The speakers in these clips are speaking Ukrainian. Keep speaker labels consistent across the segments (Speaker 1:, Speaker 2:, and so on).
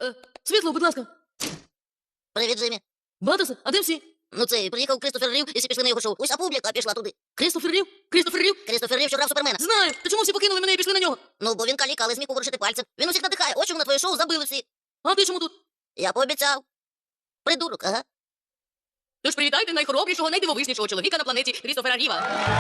Speaker 1: Світло, будь ласка.
Speaker 2: Привіт, Джиммі.
Speaker 1: Баттерсе, а де всі?
Speaker 2: Ну це, приїхав Крістофер Рів і всі пішли на його шоу. Уся публіка пішла туди.
Speaker 1: Крістофер Рів? Крістофер Рів?
Speaker 2: Крістофер Рів, що грав Супермена.
Speaker 1: Знаю! Та чому всі покинули мене і пішли на нього?
Speaker 2: Ну, бо він каліка, але зміг поворушити пальцем. Він усіх надихає. Ось чому на твоє шоу забили всі.
Speaker 1: А ти чому тут?
Speaker 2: Я пообіцяв. Придурок, ага.
Speaker 1: Тож привітайте найхоробрішого, найдивовижнішого чоловіка на планеті Крістофера Ріва.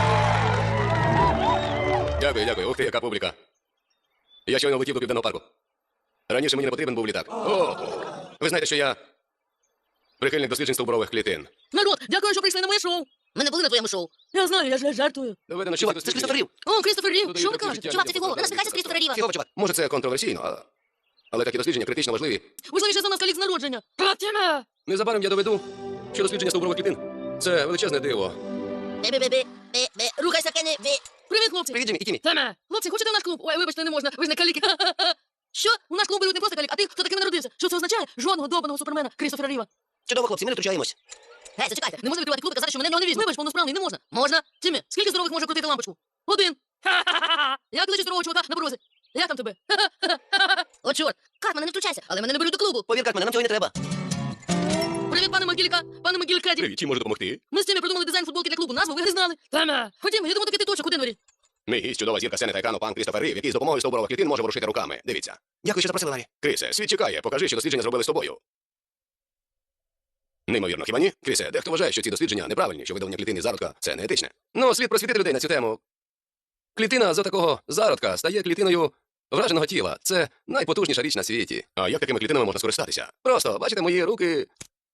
Speaker 3: Дякую, дякую. Ух ти, яка публіка. Я щойно влетів до Південного парку. Раніше мені не потрібен був літак. О, ви знаєте, що я прихильник досліджень стовбурових клітин.
Speaker 1: Народ, дякую, що прийшли на моє шоу.
Speaker 2: Ми не були на твоєму шоу.
Speaker 1: Я знаю, я ж жартую.
Speaker 3: Доведено, що
Speaker 2: Чувак,
Speaker 3: ці
Speaker 2: це ж
Speaker 3: дослідження-
Speaker 2: Крістофер Рів.
Speaker 1: О, Крістофер Рів,
Speaker 3: Додають
Speaker 1: що ви
Speaker 3: трохи
Speaker 1: кажете?
Speaker 3: життя.
Speaker 2: Чувак, це фігово. Не насміхайся з Крістофера Ріва. Фігово, чувак.
Speaker 3: Може, це контроверсійно, але такі дослідження критично важливі.
Speaker 1: Важливіше за нас калік з народження. Платіна!
Speaker 3: Незабаром я доведу, що дослідження стовбурових клітин – це величезне диво.
Speaker 2: Бі-бі-бі-бі. Бі-бі. Рухайся, Кенні. Бі.
Speaker 1: Привіт, хлопці.
Speaker 3: Привіт, Джиммі, і Тімі.
Speaker 1: Теме. Хлопці, хочете в наш клуб? Ой, вибачте, не можна, ви ж не каліки. Що? У наш клуб беруть не просто калік, а тих, хто таким народився. Що це означає? Жодного добаного супермена Крістофера Ріва.
Speaker 2: Чудово, хлопці, ми не втручаємось. Гей, зачекайте.
Speaker 1: Не можна відкривати клуб і казати, що мене в нього не візьме. Вибач, повносправний, не можна. Можна. Тімі, скільки здорових може крутити лампочку? Один. Як лечить здорового чувака на порозі? Як там тебе?
Speaker 2: О, чорт. Картмане, не втручайся.
Speaker 1: Але мене не беруть до клубу.
Speaker 2: Повір, Картмане, нам цього й не треба.
Speaker 1: Привіт, пане Могілька, пане Могількаді.
Speaker 3: Привіт, чим можу допомогти?
Speaker 1: Ми з Тімі придумали дизайн футболки для клубу. Назву ви не знали. Теме. Ходімо, я думаю, такий точок у Денвері.
Speaker 3: Мій гість, чудова зірка сцени та екрану, пан Крістофер Рів, який з допомогою стовбурових клітин може ворушити руками. Дивіться.
Speaker 2: Дякую, що запросили, Ларі.
Speaker 3: Крісе, світ чекає, покажи, що дослідження зробили з тобою. Неймовірно, хіба ні? Крісе, дехто вважає, що ці дослідження неправильні, що видалення клітини зародка – це не етичне. Ну, слід просвітити людей на цю тему. Клітина з такого зародка стає клітиною враженого тіла. Це найпотужніша річ на світі. А як такими клітинами можна скористатися? Просто, бачите, мої руки...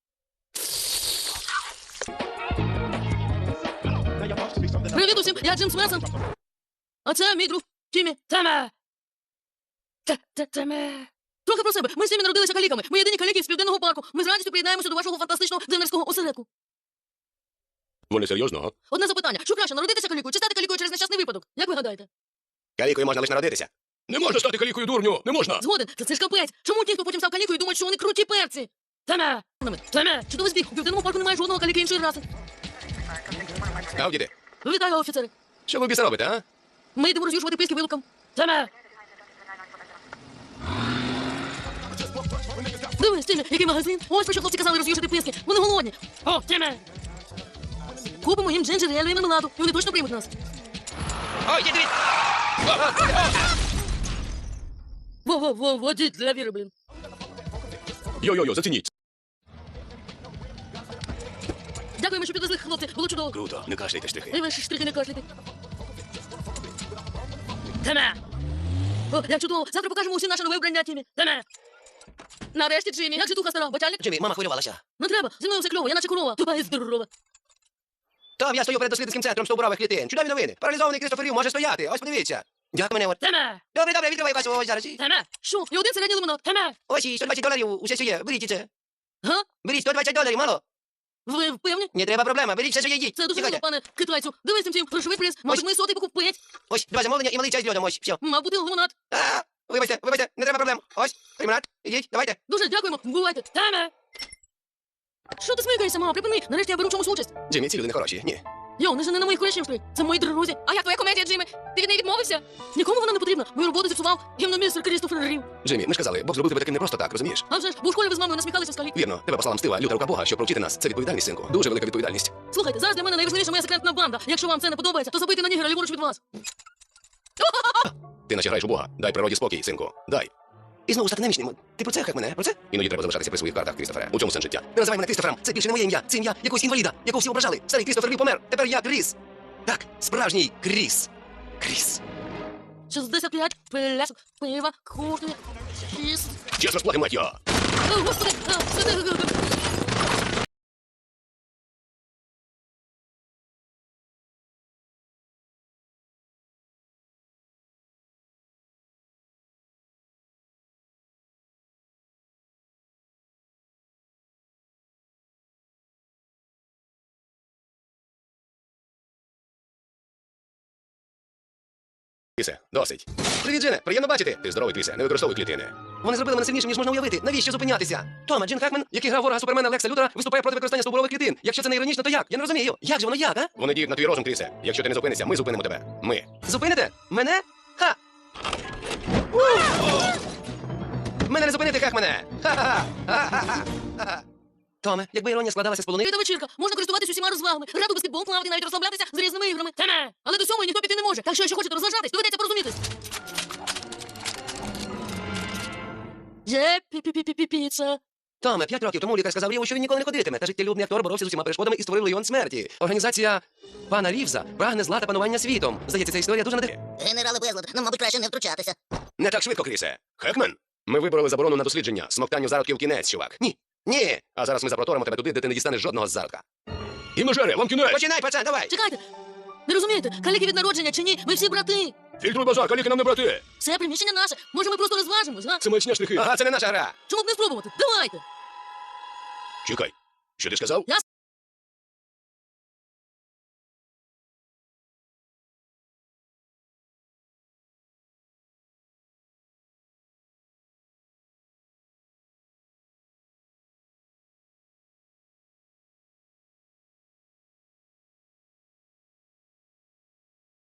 Speaker 1: Привіт усім, я Джим Смесон. А це мій друг Тімі. Теме. Теме. Трохи про себе. Ми з Тімі народилися каліками. Ми єдині каліки з Південного парку. Ми з радістю приєднаємося до вашого фантастичного денверського осередку.
Speaker 3: Вони серйозно, а?
Speaker 1: Одне запитання. Що краще, народитися калікою чи стати калікою через нещасний випадок? Як ви гадаєте?
Speaker 3: Калікою можна лише народитися. Не можна стати калікою, дурню! Не можна!
Speaker 1: Згоден, це ж капець. Чому ті, хто потім став калікою, думають, що вони круті перці? Теме. Теме. Чудовий збіг. У Південному парку немає жодного каліки іншої раси.
Speaker 3: А, діти,
Speaker 1: Вітаю, офіцери.
Speaker 3: що ви біса робите, а?
Speaker 1: Ми йдемо роз'юшувати писки вилукам. Теме. Дивись, Тімі, який магазин. Ось про що хлопці казали роз'юшити писки. Вони голодні. О, Тімі. Купимо їм джинджер, елю і мармеладу, і вони точно приймуть нас.
Speaker 3: Ой, діти!
Speaker 1: Во-во-во, водіть для віри, блін.
Speaker 3: Йо-йо-йо, зацініть.
Speaker 1: Дякуємо, що підвезли, хлопці. Було чудово.
Speaker 3: Круто, не кашляйте штрихи.
Speaker 1: І ваші штрихи не кашляйте. Теме. О, як чудово. Завтра покажемо усім наше нове вбрання, Тімі. Теме. Нарешті, Джиммі. Як же туха стара? Бачальник?
Speaker 2: Джиммі, мама хвилювалася.
Speaker 1: Не треба. Зі мною все кльово. Я наче корова. Тупа і здорова.
Speaker 2: Там я стою перед дослідницьким центром стовбурових клітин. Чудові новини. Паралізований Крістофер Рів може стояти. Ось подивіться. Дякую, мене.
Speaker 1: Теме.
Speaker 2: Добре, відкривай касу. Ось зараз.
Speaker 1: Теме. Що? І один середній лимонад. Теме.
Speaker 2: Ось і $120. Усе, що є. Беріть це.
Speaker 1: Га?
Speaker 2: Беріть $120, мало.
Speaker 1: Ви впевнені?
Speaker 2: Не треба проблема. Беріть все, що є, їдіть.
Speaker 1: Це дуже
Speaker 2: Чекайте.
Speaker 1: мило, пане китайцю. Дивись, Тім, грошовий приз. Може, ми сотий покупить.
Speaker 2: Ось, два замовлення і малий чай з льодом. Ось, все.
Speaker 1: Мав бути лимонад.
Speaker 2: Вибачте, не треба проблем. Ось, лимонад. Ідіть, давайте.
Speaker 1: Дуже дякуємо. Бувайте. Теме. Що ти смикаєшся, мама? Припини. Нарешті я беру в чомусь участь.
Speaker 3: Джиммі, ці люди не хороші. Ні.
Speaker 1: Йо, не жени на моїх колишніх стоїть. Це мої друзі. А як твоя комедія, Джиммі? Ти від неї відмовився? Нікому вона не потрібна. Мою роботу зіпсував гімномістр Крістофер Рів.
Speaker 3: Джиммі, ми ж казали, Бог зробив тебе таким не просто так, розумієш?
Speaker 1: А вже ж, бо у школі ви з мамою насміхалися в скалі.
Speaker 3: Вірно, тебе послала мстива, люта рука Бога, щоб провчити нас. Це відповідальність, синку. Дуже велика відповідальність.
Speaker 1: Слухайте, зараз для мене найважливіша моя секретна банда. Якщо вам це не подобається, то забийте на нігера ліворуч від вас.
Speaker 3: Ти наче граєш у Бога. Дай природі спокій, синку. Дай.
Speaker 2: І знову стати немічним. Ти про це, як мене? Про це?
Speaker 3: Іноді треба залишатися при своїх картах, Крістофере. У цьому сенс життя.
Speaker 2: Не називай мене Крістофером. Це більше не моє ім'я. Це ім'я якогось інваліда, якого всі ображали. Старий Крістофер Рів помер. Тепер я Кріс. Так, справжній Кріс. Кріс.
Speaker 1: 65 пляшок пива коштує 6.
Speaker 3: Час розплати, мать його!
Speaker 1: О, господи,
Speaker 3: Крісе, досить. Привіт, Джине, приємно бачити. Ти здоровий, Крісе, не використовуй клітини.
Speaker 2: Вони зробили мене сильнішим, ніж можна уявити. Навіщо зупинятися? Тома, Джин Хакмен, який грав ворога Супермена Лекса Лютера, виступає проти використання стовбурових клітин. Якщо це не іронічно, то як? Я не розумію. Як же воно як, а?
Speaker 3: Вони діють на твій розум, Крісе. Якщо ти не зупинишся, ми зупинимо тебе. Ми.
Speaker 2: Зупините? Мене? Ха! Мене не зупинити, Хекмане! Ха-ха-ха! Ха-ха-ха! Томе, якби іронія складалася з полуниці...
Speaker 1: Віда вечірка, можна користуватися усіма розвагами, грати у баскетбол, плавати, навіть розслаблятися з різними іграми. Теме! Але до цього ніхто піти не може. Так що, якщо хочете розважатись, доведеться порозумітись. Є пі-пі-пі-пі-піца.
Speaker 2: Томе, 5 років тому лікар сказав Ріву, що він ніколи не ходитиме, та життєлюбний актор боровся з усіма перешкодами і створив легіон смерті. Організація пана Рівза прагне зла та панування світом. Здається, ця історія дуже надихає.
Speaker 4: Генерали Безлад, ну, мабуть, краще не втручатися.
Speaker 3: Не так швидко, Крісе. Хекмен? Ми вибороли заборону на дослідження. Смоктанню зародків кінець, чувак.
Speaker 2: Ні, ні!
Speaker 3: А зараз ми запроторимо тебе туди, де ти не дістанеш жодного зародка. І межере, вам кінець!
Speaker 2: Починай, пацан, давай!
Speaker 1: Чекайте! Не розумієте, каліки від народження чи ні? Ми всі брати.
Speaker 3: Фільтруй базар, каліки нам не брати!
Speaker 1: Це приміщення наше. Може, ми просто розважимось, га?
Speaker 3: Це маячня шляхи.
Speaker 2: Ага, це не наша гра!
Speaker 1: Чому б не спробувати? Давайте!
Speaker 3: Чекай, що ти сказав?
Speaker 1: Я